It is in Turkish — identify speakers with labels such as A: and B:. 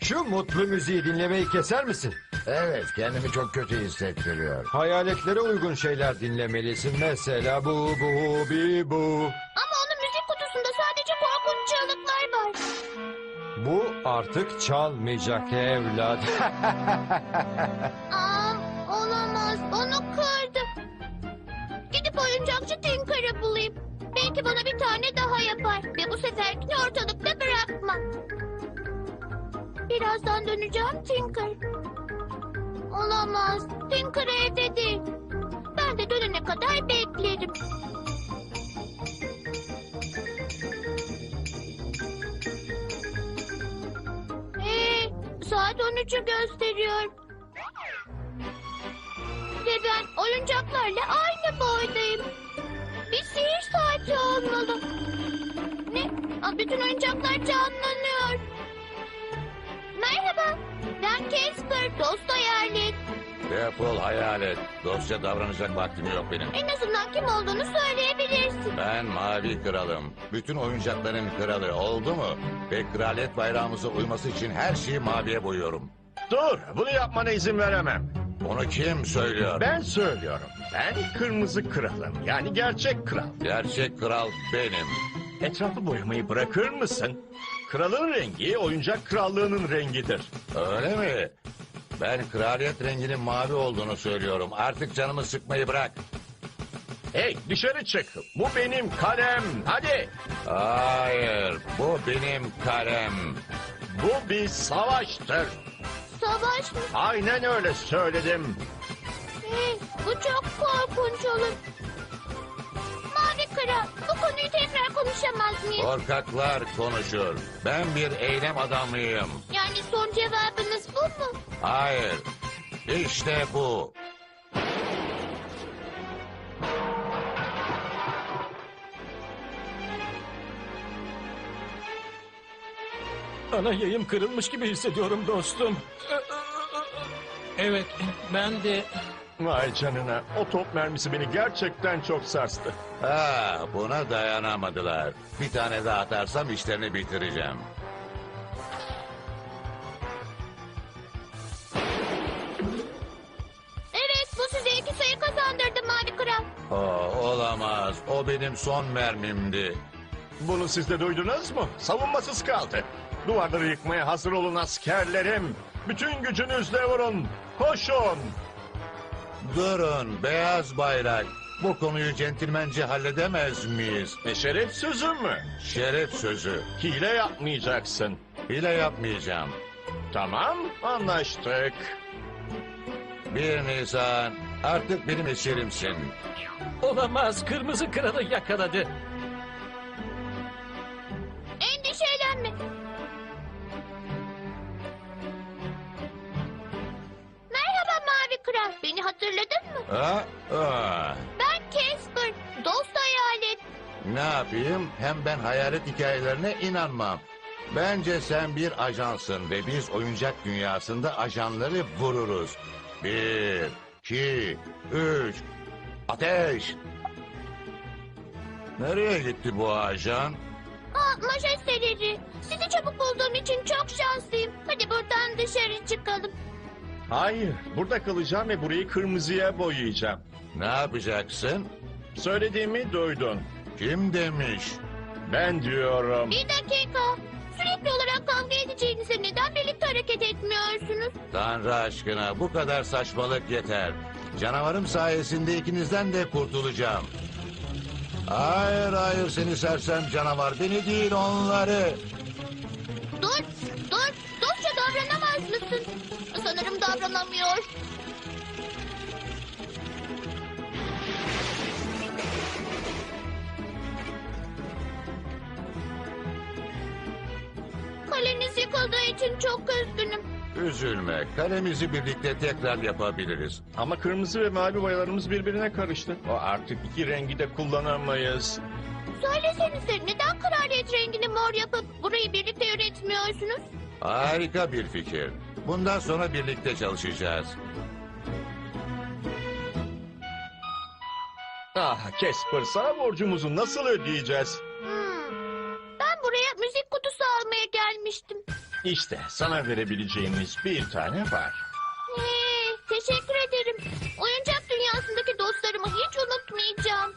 A: Şu mutlu müziği dinlemeyi keser misin?
B: Evet, kendimi çok kötü hissettiriyor.
A: Hayaletlere uygun şeyler dinlemelisin. Mesela bu, bu, bi, bu.
C: Ama onun müzik kutusunda sadece korkunç çığlıklar var.
A: Bu artık çalmayacak evlat.
C: Aa, olamaz. Onu kırdım. Gidip oyuncakçı Tinker'ı bulayım. Belki bana bir tane daha yapar. Ve bu seferkini ortalıkta bırakmam. Birazdan döneceğim Tinker. Olamaz. Tinker evde değil. Ben de dönene kadar beklerim. Saat 13'ü gösteriyor. Ve ben oyuncaklarla aynı boydayım. Bir sihir saati olmalı. Ne? Aa, bütün oyuncaklar canlanıyor. Merhaba. Ben Casper, dost hayalet.
B: Defol hayalet. Dostça davranacak vaktim yok benim.
C: En azından kim olduğunu söyleyebilirsin.
B: Ben Mavi Kralım. Bütün oyuncakların kralı, oldu mu? Ve kraliyet bayrağımıza uyması için her şeyi maviye boyuyorum.
D: Dur, bunu yapmana izin veremem.
B: Onu kim söylüyor?
D: Ben söylüyorum. Ben kırmızı kralım. Yani gerçek kral.
B: Gerçek kral benim.
D: Etrafı boyamayı bırakır mısın? Kralın rengi oyuncak krallığının rengidir.
B: Öyle mi? Ben kraliyet renginin mavi olduğunu söylüyorum. Artık canımı sıkmayı bırak.
D: Hey, dışarı çık. Bu benim kalem. Hadi.
B: Hayır, bu benim kalem.
D: Bu bir savaştır.
C: Savaş mı?
D: Aynen öyle söyledim.
C: Bu çok korkunç olur. Mavi Kral, bu konuyu tekrar konuşamaz mıyız?
B: Korkaklar konuşur. Ben bir eylem adamıyım.
C: Yani son cevabınız bu mu?
B: Hayır, işte bu.
E: Ana yayım kırılmış gibi hissediyorum dostum. Evet, ben de...
D: Vay canına. O top mermisi beni gerçekten çok sarstı.
B: Ha, buna dayanamadılar. Bir tane daha atarsam işlerini bitireceğim.
C: Evet, bu size 2 sayı kazandırdı Mavi Kral.
B: Olamaz. O benim son mermimdi.
D: Bunu siz de duydunuz mu? Savunmasız kaldı. Duvarları yıkmaya hazır olun askerlerim. Bütün gücünüzle vurun. Koşun.
B: Durun, beyaz bayrak. Bu konuyu centilmence halledemez miyiz?
D: Şeref sözü mü?
B: Şeref sözü.
D: Hile yapmayacaksın.
B: Hile yapmayacağım.
D: Tamam, anlaştık.
B: 1 Nisan, artık benim eserimsin.
E: Olamaz, kırmızı kralı yakaladı.
C: Endişelenme. Merhaba Mavi Kral, beni hatırladın mı? Ben Casper, dost hayalet.
B: Ne yapayım? Hem ben hayalet hikayelerine inanmam. Bence sen bir ajansın ve biz oyuncak dünyasında ajanları vururuz. 1, 2, 3, ateş! Nereye gitti bu ajan?
C: Majesteleri, sizi çabuk bulduğum için çok şanslıyım. Hadi buradan dışarı çıkalım.
D: Hayır, burada kalacağım ve burayı kırmızıya boyayacağım.
B: Ne yapacaksın?
D: Söylediğimi duydun.
B: Kim demiş?
D: Ben diyorum.
C: Bir dakika. Sürekli olarak kavga edeceğinize neden birlikte hareket etmiyorsunuz?
B: Tanrı aşkına bu kadar saçmalık yeter. Canavarım sayesinde ikinizden de kurtulacağım. Hayır hayır seni sersem canavar, beni değil onları.
C: Dur, dur. Dostça davranamaz mısın? Sanırım davranamıyor. Kaleniz yıkıldığı için çok üzgünüm.
B: Üzülme, kalemizi birlikte tekrar yapabiliriz.
D: Ama kırmızı ve mavi boyalarımız birbirine karıştı. O artık iki rengi de kullanamayız.
C: Söylesenize neden kraliyet rengini mor yapıp burayı birlikte üretmiyorsunuz?
B: Harika bir fikir. Bundan sonra birlikte çalışacağız.
D: Ah Casper, sana borcumuzu nasıl ödeyeceğiz?
C: Ben buraya müzik kutusu almaya gelmiştim.
D: İşte sana verebileceğimiz bir tane var.
C: Hey, teşekkür ederim. Oyuncak dünyasındaki dostlarımı hiç unutmayacağım.